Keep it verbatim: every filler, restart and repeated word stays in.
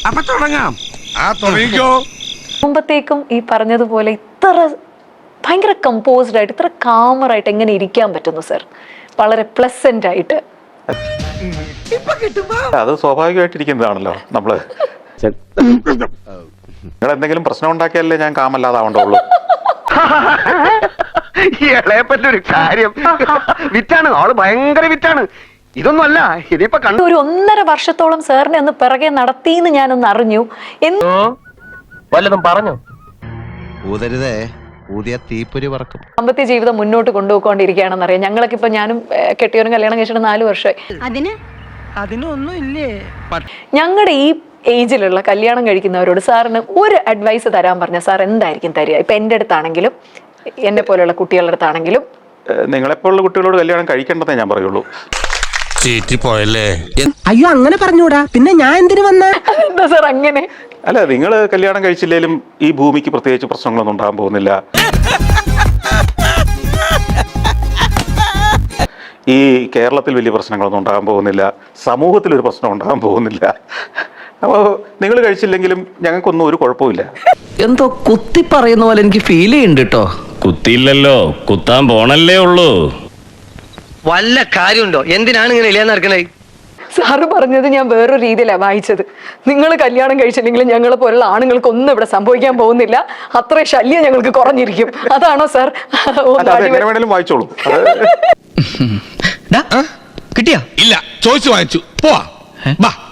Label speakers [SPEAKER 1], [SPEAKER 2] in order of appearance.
[SPEAKER 1] അപ്പൊ തുടങ്ങാം. ആ തുടങ്ങിക്കോ.
[SPEAKER 2] മുമ്പത്തേക്കും ഈ പറഞ്ഞതുപോലെ ഇത്ര ഭയങ്കര കമ്പോസ്ഡ് ആയിട്ട് ഇത്ര കാമറായിട്ട് എങ്ങനെ ഇരിക്കാൻ പറ്റുന്നു സർ? വളരെ പ്ലസന്റ് ആയിട്ട്.
[SPEAKER 3] അത് സ്വാഭാവികമായിട്ടിരിക്കുന്നതാണല്ലോ നമ്മള്. നിങ്ങൾ എന്തെങ്കിലും പ്രശ്നം ഉണ്ടാക്കിയാലേ ഞാൻ കാമല്ലാതാവണ്ടുള്ളൂ.
[SPEAKER 4] ഇളയപ്പറ്റൊരു കാര്യം വിറ്റാണ്, ആള് ഭയങ്കര വിറ്റാണ്. ഇതൊന്നും അല്ല, ഇതിപ്പോ കണ്ടു.
[SPEAKER 2] ഒരു ഒന്നര വർഷത്തോളം സാറിനെ ഒന്ന് പിറകെ നടത്തിന്ന് ഞാനൊന്ന് അറിഞ്ഞു.
[SPEAKER 4] വല്ലതും പറഞ്ഞു
[SPEAKER 5] ഊതരുതേ, ഊതിയ തീപ്പൊരി പറക്കും.
[SPEAKER 2] ദാമ്പത്യ ജീവിതം മുന്നോട്ട് കൊണ്ടുപോയിക്കൊണ്ടിരിക്കുകയാണെന്ന് അറിയാം. ഞങ്ങളൊക്കെ ഇപ്പൊ ഞാനും കെട്ടിയവരും കല്യാണം കഴിച്ചിട്ട് നാല് വർഷമായി.
[SPEAKER 6] അതിന്
[SPEAKER 1] അതിനൊന്നും ഇല്ലേ?
[SPEAKER 2] ഞങ്ങളുടെ ഈ ഏജിലുള്ള കല്യാണം കഴിക്കുന്നവരോട് സാറിന് ഒരു അഡ്വൈസ് തരാൻ പറഞ്ഞ സാർ എന്തായിരിക്കും തരിക? ഇപ്പൊ എന്റെ അടുത്താണെങ്കിലും എന്നെ പോലെയുള്ള കുട്ടികളുടെ അടുത്താണെങ്കിലും.
[SPEAKER 3] നിങ്ങളെപ്പോലുള്ള കുട്ടികളോട് കല്യാണം കഴിക്കേണ്ടതേ ഞാൻ പറയുള്ളൂ.
[SPEAKER 1] പോയല്ലേ?
[SPEAKER 6] അയ്യോ അങ്ങനെ പറഞ്ഞൂടാ, പിന്നെ ഞാൻ എന്തിനു വന്ന?
[SPEAKER 2] എന്താ സാർ അങ്ങനെ?
[SPEAKER 3] അല്ല, നിങ്ങൾ കല്യാണം കഴിച്ചില്ലേലും ഈ ഭൂമിക്ക് പ്രത്യേകിച്ച് പ്രശ്നങ്ങളൊന്നും ഉണ്ടാകാൻ പോകുന്നില്ല. ഈ കേരളത്തിൽ വലിയ പ്രശ്നങ്ങളൊന്നും ഉണ്ടാകാൻ പോകുന്നില്ല. സമൂഹത്തിലൊരു പ്രശ്നം ഉണ്ടാകാൻ പോകുന്നില്ല. അപ്പോൾ നിങ്ങൾ കഴിച്ചില്ലെങ്കിലും ഞങ്ങൾക്കൊന്നും ഒരു കുഴപ്പമില്ല.
[SPEAKER 7] എന്തോ കുത്തി പറയുന്ന പോലെ എനിക്ക് ഫീൽ ചെയ്യുന്നുണ്ട് കേട്ടോ.
[SPEAKER 8] കുത്തിയില്ലല്ലോ, കുത്താൻ പോണല്ലേ ഉള്ളൂ.
[SPEAKER 4] വല്ല കാര്യമുണ്ടോ? എന്തിനാണ് ഇങ്ങനെ ഇല്ലാന്ന് നടക്കണേ?
[SPEAKER 2] സാറ് പറഞ്ഞത് ഞാൻ വേറൊരു രീതിയിലാണ് വായിച്ചത്. നിങ്ങൾ കല്യാണം കഴിച്ചില്ലെങ്കിലും ഞങ്ങളെ പോലുള്ള ആണുങ്ങൾക്ക് ഒന്നും ഇവിടെ സംഭവിക്കാൻ പോകുന്നില്ല, അത്ര ശല്യം ഞങ്ങൾക്ക് കുറഞ്ഞിരിക്കും. അതാണോ സാർ?
[SPEAKER 3] എങ്ങനെ വേണേലും വായിച്ചോളൂ.
[SPEAKER 7] കിട്ടിയാ?
[SPEAKER 1] ഇല്ല, ചോദിച്ചു വാങ്ങിച്ചു. പോവാ.